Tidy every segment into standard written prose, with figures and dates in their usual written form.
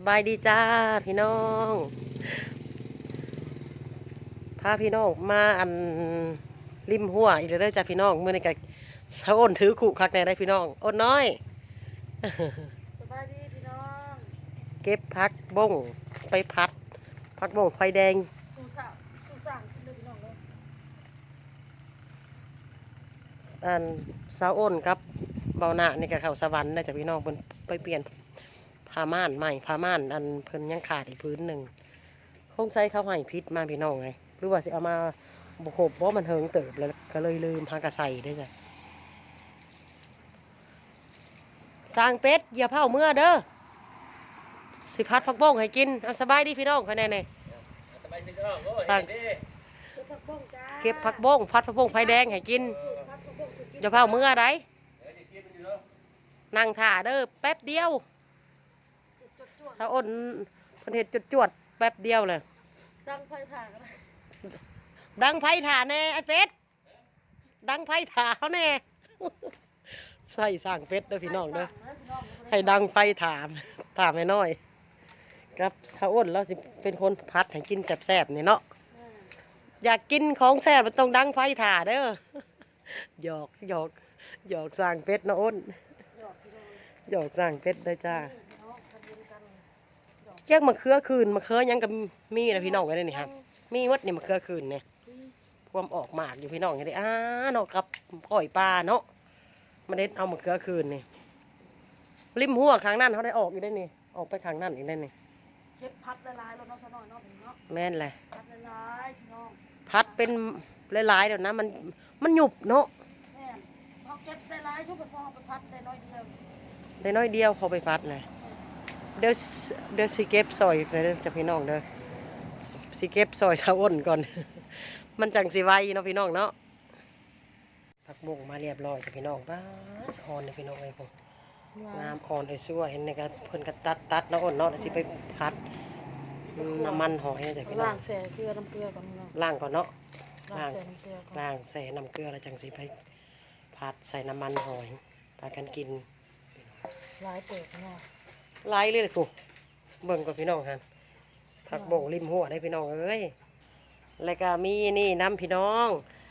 บายดีจ้าพี่น้องพาพี่น้องมาริมหัวอีกแล้วเด้อจ้าพี่น้องเมื่อนี้ก็เช้าอ้นถือขู่คักแน่ได้พี่น้องอ้นน้อยสบายดีพี่น้องเก็บผักบงไปพัดผักบงไฟแดงสู่สั่งขึ้นเลยพี่น้องเลยเช้าอ้นกับเบาหน้านี่ก็เข้าสวรรค์ได้จ้าพี่น้องเพิ่นไปเปลี่ยนผ้าม่านใหม่ผ้าม่านเพิ่นยังขาดอีกพื้นหนึ่งคงใช้เขาให้พิษมาพี่น้องไงหรือว่าสิเอามาบุกบเพราะมันเฮิงเติบแล้วก็เลยลืมพากระใส่ได้จ้ะสร้างเป็ดอย่าเผาเมื่อเด้อสิพัดผักบ้งให้กินเอาสบายดีพี่น้องภายในนี่สร้างเก็บผักบ้งพัดผักบ้งไฟแดงให้กินอย่าเผาเมื่อไดนั่งถ่าเด้อแป๊บเดียวถ้าอ้นเพิ่นเฮ็ดจวดๆแป๊บเดียวเลยดังไฟถ่านกันเลยดังไฟถ่าแน่ไอ้เป็ดดังไฟถ่าเขาแน่ ใส่สร้างเป็ดเด้อพี่น้องเด้อให้ดังไฟถ่าไม่น้อยกับสาวอ้นเราสิเป็นคนพัดให้กินแซ่บๆนี่เนาะอยากกินของแซ่บมันต้องดังไฟถ่าเด้อ หยอกสร้างเป็ดเนาะอ้นหยอกสร้างเป็ดได้จ้าแยกมะเขือคืนมะเขือยังกับมีนะพี่น้องไว้ได้นี่ครับมีวัดนี่มะเขือคืนเนี่ยพวมออกหมากอยู่พี่น้องอย่างนี้เนาะกับก้อยปลาเนาะมาเด็ดเอามะเขือคืนนี่ริมหัวข้างนั่นเขาได้ออกอยู่ได้นี่ออกไปข้างนั่นอีกได้นี่เก็บพัดละลายแล้วเนาะสนอยเนาะพี่เนาะแม่นเลยพัดละลายพี่น้องพัดเป็นหลายๆเดี๋ยวนะมันหยุบเนาะแม่พอเก็บละลายทุกคนพอไปพัดได้น้อยเดียวได้น้อยเดียวเขาไปพัดเลยเดี๋ยวสิเก็บซอยเลยเด้อจะพี่น้องเด้อสิเก็บซอยชาวอ้นก่อน มันจังสิไวเนาะพี่น้องเนาะผักบุ้งมาเรียบร้อยจ้ะพี่น้องป้าอ่อนเลยพี่น้องไอ้พวกงามอ่อนไอ้ชั่วเห็นในการเพิ่นก็ตัดแล้วอ้นเนาะแล้วสิไปพัดน้ำมันหอยจ้ะพี่น้อล้าง งแส่เกลือน้ำเกลือก่อนพี่น้องล้างก่อนเนาะล้างแส่น้ำเกลือก่อนล้างใส่น้ำเกลือแล้วจังสิไปพัดใส่น้ำมันหอยพากันกินลายเปิดพี่น้องไล่เลยกูเบิ่งก่อนพี่น้องฮะผักบ่งริมหัวได้พี่น้องเอ้ยแล้วก็มีนี่น้ำพี่น้อง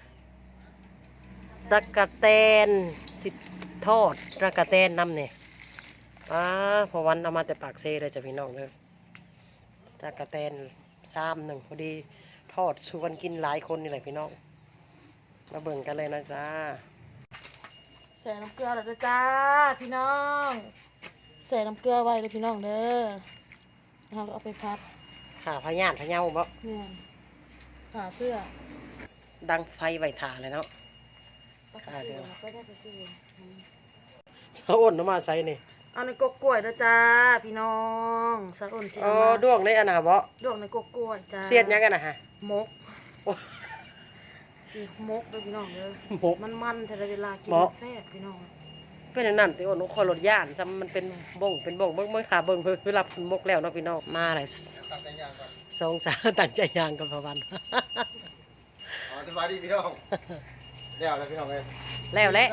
ตะกะแตนจิตทอดตะกะแตนน้ำเนี่ยพอวันเอามาแต่ปากเซ่เลยจ้ะพี่น้องเลยตะกะแตน1 พอดีทอดชวนกินหลายคนนี่แหละพี่น้องมาเบิ่งกันเลยนะจ๊ะแส่น้ำเกลือแล้วเด้อจ้าพี่น้องแส่น้ำเกลือไว้เลยพี่น้องเด้อเราเอาไปพัดขาพญานพะเยาบ่เนี่ยขาเสื้อดังไฟไว้ถ่าเลยเนาะขาเสื้อก็ได้ไปซื้อสะอ้นเอามาใส่นี่เอาในกกกล้วยนะจ้าพี่น้องสักอ่นเสียอ๋อมาด้วงได้อันน่ะบ่ดวงในกกกล้วยจ้าเสียดยังกันนะฮะมกโอ้สิมกด้วยพี่น้องเด้อหมกมันแต่ละเวลากินหมกแซ่บพี่น้องเป็นอันนั้นที่อ้นคอยรถย่านจำมันเป็นบ่งเบิ่งขาเบิ่งเวลาเพิ่นมกแล้วเนาะพี่น้องมาหลายสองสามตั้งใจยางกันพะวันอ๋อสบายดีพี่น้องแล้วพี่น้องเลยแล้วแหละ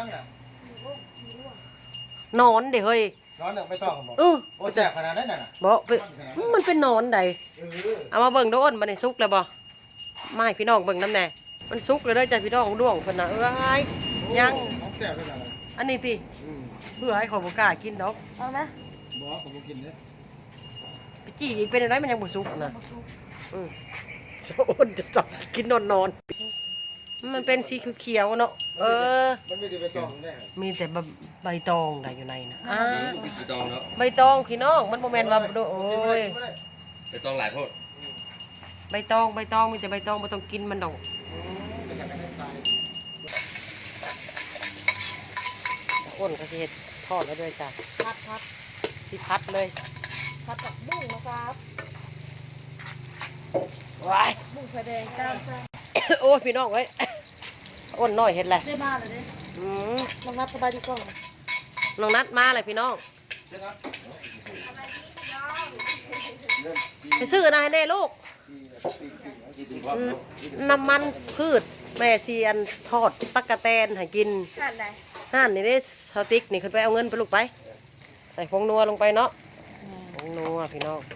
นอนเด้เฮ้ยนอนไม่ต้องบอกเออโอ้แสบขนาดนั้นน่ะบ่เป็นมันเป็นนอนใดเออเอามาเบิ่งดูอ้นมันได้สุกแล้วบ่มาให้พี่น้องเบิ่งน้ำแน่มันสุกเลยเด้อจ้ะพี่น้องด้วงเพิ่นน่ะเอ้ยยังของแสบเลยนะอันนี้ติเพื่อให้เขาบ่กล้ากินดอกเอาไหมบอกผมกินเนี่ยไปจี้อีกเป็นอะไรมันยังบ่สุกนะสะอ้นจะจับกินนอนมันเป็นสีเขียวๆเนาะมันไม่ได้ไปต้องแน่มีแต่ใบตองได้อยู่ในนะไปตองแล้วใบตองพี่น้องมันโมเมนต์ว่าโอ้ยไปตองหลายโพดใบตองมีแต่ใบตองไม่ต้องกินมันดอกอ้นก็สิเฮ็ดทอดแล้วด้วยจ้ะพัดสิพัดเลยกับบุ้งนะครับว้ายบุ้งไฟแดงจ้าจ้าโอ้ยพี่น้องเอ้ยอ้นน้อยเฮ็ดแหละได้มาเลยเด้ ลองนับสบายดีกล้องน้องนัดมาเลยพี่น้องไปซื้อนะให้แน่ลูกน้ำมันพืชแม่เซียนทอดตักกะแตนให้กินขาดอะไรห่านนี่เด้สติ๊กนี่ขึ้นไปเอาเงินไปลูกไปใส่ผงนัวลงไปเนาะโอ้งนัวพี่น้อง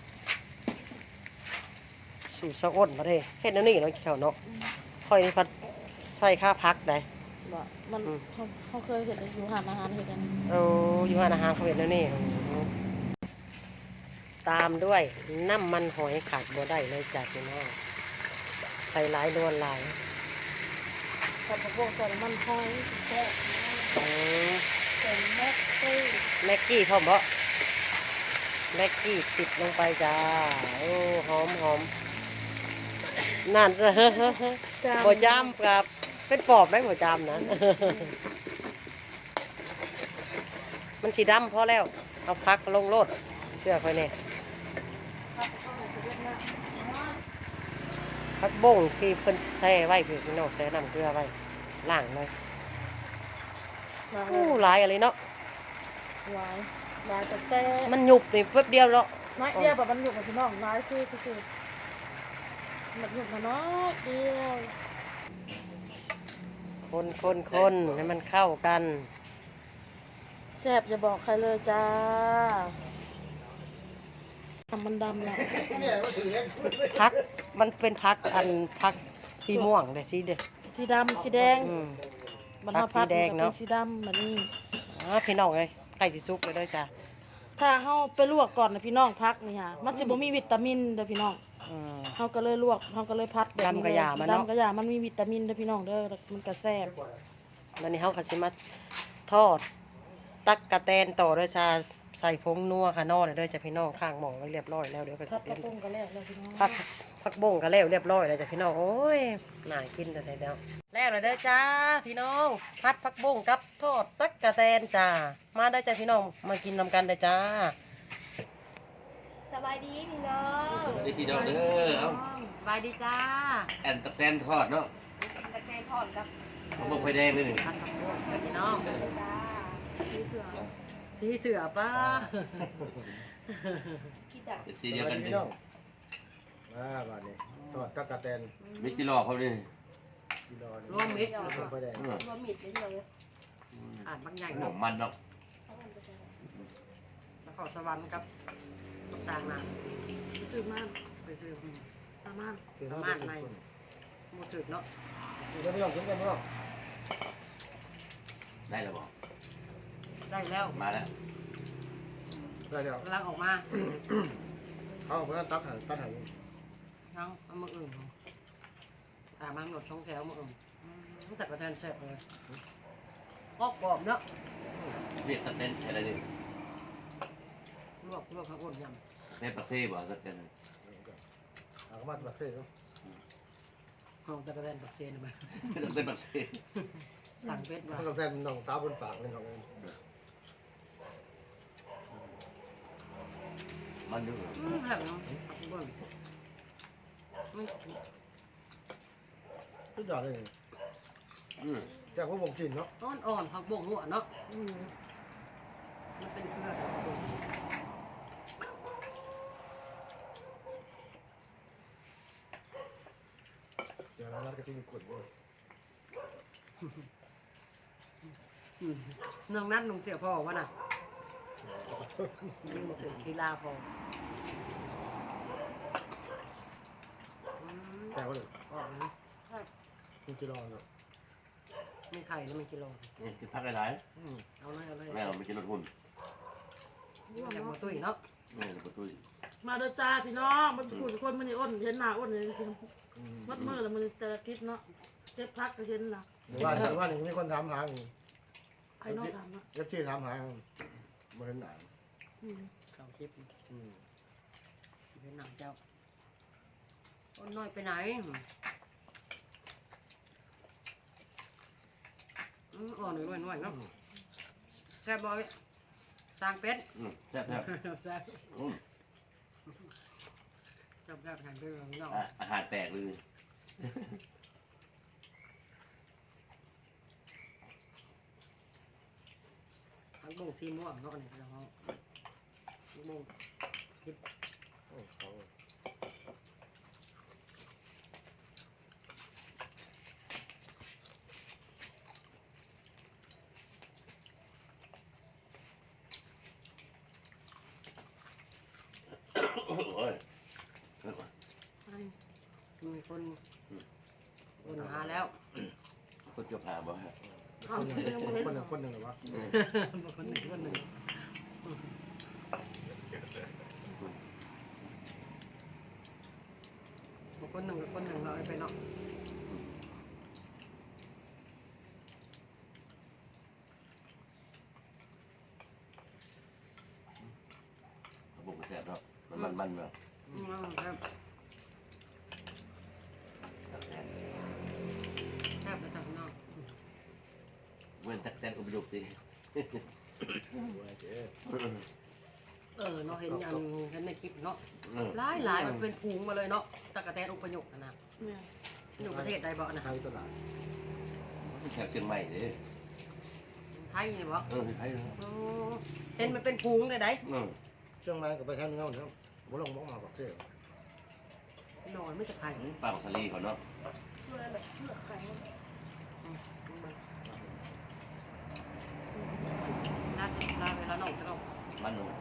สูตรสะอ้นมาเด้เฮ็ดแนวนี้เนาะแขวเนาะค่อยนี่พัดใส่ข้าพักได้บ่มันเขาเคยเห็นอยู่หานอาหารเห็นกันเอาอยู่ร้านอาหารเขาเฮ็ดแนวนี้ตามด้วยน้ำมันหอยขาดบ่ได้เลยจ้ะพี่น้องใส่หลายนวลหลายกับพวกใส่มันหอยแซ่บอืมใส่แม็กซี่แม็กกี้พร้อมบ่แม็กกี้ติดลงไปจ้าโอ้หอมหอมนั่น บ่จามกับเป็นปอบได้บ่จามนะ มันสีดำพอแล้วเอาพักลงโลดเชื่อค่อยแน่พักบ่งที่เพิ่นแช่ไว้พี่น้องแช่น้ำเกลือไว้ล้างเลยอู้หลายอะไรเนาะหลายหลายแต่มันหยุบนี่แป๊บเดียวแล้วน้อยเดียวแบบมันอยู่กับพี่น้องน้อยคือมันอยู่มาน้อยเดียวคนให้มันเข้ากันแซ่บอย่าบอกใครเลยจ้าทำมันดำแล้วเนี่ยมาถึงเนี่ยพักมันเป็นพักอันพักสีม่วงเลยสีเด้อสีดำสีแดงอืมมันผักสีแดงเนาะสีดำแบบนี้พี่น้องเลยไก่สิซุกเลยเด้อจ้ะถ้าเฮาไปลวกก่อนนะพี่น้องพักนี่ฮะมันสิบ่มีวิตามินเด้อพี่น้องอืมเฮาก็เลยลวกเฮาก็เลยพัดแบบนี้ดำกะหย่ามันเนาะดำกะหยามันมีวิตามินเด้อพี่น้องเด้อมันก็แซ่บแล้วนี่เขาก็สิมาทอด ตักกะแตนต่อด้วยจ้าใส่ผงนัวค่ะนอเลยเด้อจ้ะพี่น้องข้างหม้อไว้เรียบร้อยแล้วเดี๋ยวก็พัจะดกเป็ระนปุงก็แล้วแล้วพี่น้องผักบ้งก็แล้วเรียบร้อยแล้วจ้ะพี่น้องโอ้ยน่ากินแต่แล้วแล้วเลยเด้อจ้าพี่น้องพัดผักบ้งกับทอดตักกะแตนจ้ามาได้อจ้ะพี่น้องมากินนำกันเด้อจ้าสบายดีพี่น้องสวัสดีพี่น้องเด้อเอ้าสบายดีจ้าแอนตะแตนทอดเนาะตะแกรงทอดกับมะม่วงไฟแดงเลยนี่พัดผักบ้งจ้ะพี่น้องจ้าพี่เสือสีเสือป้าคิดอ่ะสีเดียวกันพี่นี่น้องบ้านนี้ตอดตักกะแตนมิจิรอเขาเลยกิโลนึงรวมมิตรลงไปแดงบะหมี่เฉยอ่านบางอย่างขนเนาะมมันเนาะแล้วขอสวรรค์กับต่างๆนะๆซื้อมาไปซื้อตามมาคือประเขามาณเป็นไหนคนหมูจืดเนาะกินกันไม่ต้องกินกันไม่ต้องได้แล้วบอกได้แล้วมาแล้วได้แล้วกำลังออกมาเขาเอาไปตักหันตักหันทั้งเอามืออื่นตามมาหนดช่องแถวมืออื่นแต่กระเทียมแซ่บเลยกรอบเนาะเรียกตะแตนอะไรนี่ลวกข้าวอ้นยในปักเซ่บอกตะแตนเอามาตักเส้นเนาะำเอาแต่กระเทียมปักเซนมาตะแตนปักเซ่สั่งเป็ดมาตักกะแตนน้องตาบนปากเลยของมันดูแซ่บเนาะผักเบิ้งไม่ทุกอย่างเลยอืมจากพวกผมกินเนาะอ่อนผักบงหัวเนาะมันเป็นเครือผักบงเสียแล้วก็จะมีกดด้วยน้องนัดลุงเสียพ่อวะน่ะยิงเสือกีฬาพอแต่ว่าเลยออกนะมีกิโลเนาะไม่ไข่แล้วมันกิโลนี่ที่พักหลายเอาเลยๆแม่เราไม่กินรถหุ่นอย่างหมูตุ้ยเนาะแม่เราประตูมาเด้อจ้าพี่น้องมันพูดคนมันนี่อ้นเห็นหน้าอ้นเลยกินมัดมือแล้วมันแต่ละคิดเนาะเจ็บพักก็เห็นล่ะหรือว่าหนึ่งมีคนถามหาไอ้น้องถามนะเอฟซีถามหาเหมือนหนาเขาคลิปเป็นหนังเจ้าอ้นน้อยไปไหนอ่อนหน่อยเนาะแซ่บบอยสร้างเป็ดแซ่บแซ่บแซ่บอืมแซ่บแข่งด้วยเนาะอาหารแตกเลยทั้งบงซีม่วงเนาะเนี่ยเราบงคนหาแล้วคนจะพาบ่ฮะคนหนึ่งหรือวะคนหนึ่งคนหนึ่งคนหนึ่งกับคนหนึ่งเราไปเนาะบุกแซ่บเนาะมันเนาะครับแซ่บไปทางนอกเว้นตักแตนอุปดุกสิเนาะเห็นอย่างเห็นในคลิปเนาะหลายมันเป็นพุงมาเลยเนาะตะกะแตนอุปยกนะอยู่ประเทศใดบ่นะไทยตลาดแถบเชียงใหม่เด้ไทยนี่บ่ไทยเห็นมันเป็นพุงเลยได้เชียงรายกับไปทางเงาเนี่ยบุลงบ้องมาบอกเท่นอนไม่จะไข่ปลาของสลีเขาเนาะเมื่อแบบเลือกไข่นัดลาเวลาหนองจะต้องมันเนาะ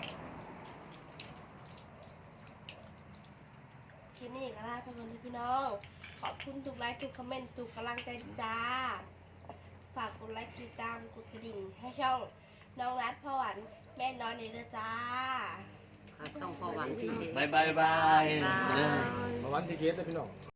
คลิปนี้ก็ลาไปก่อนเลยพี่น้อง ขอบคุณทุกไลค์ทุกคอมเมนต์ทุกกำลังใจจ้า ฝากกดไลค์ติดตามกดกระดิ่งให้ช่องน้องรัดพ่อหวานแม่นอนนี่ด้วยจ้าต้องพอหวานที่บายมาวันที่เกตเลยพี่น้อง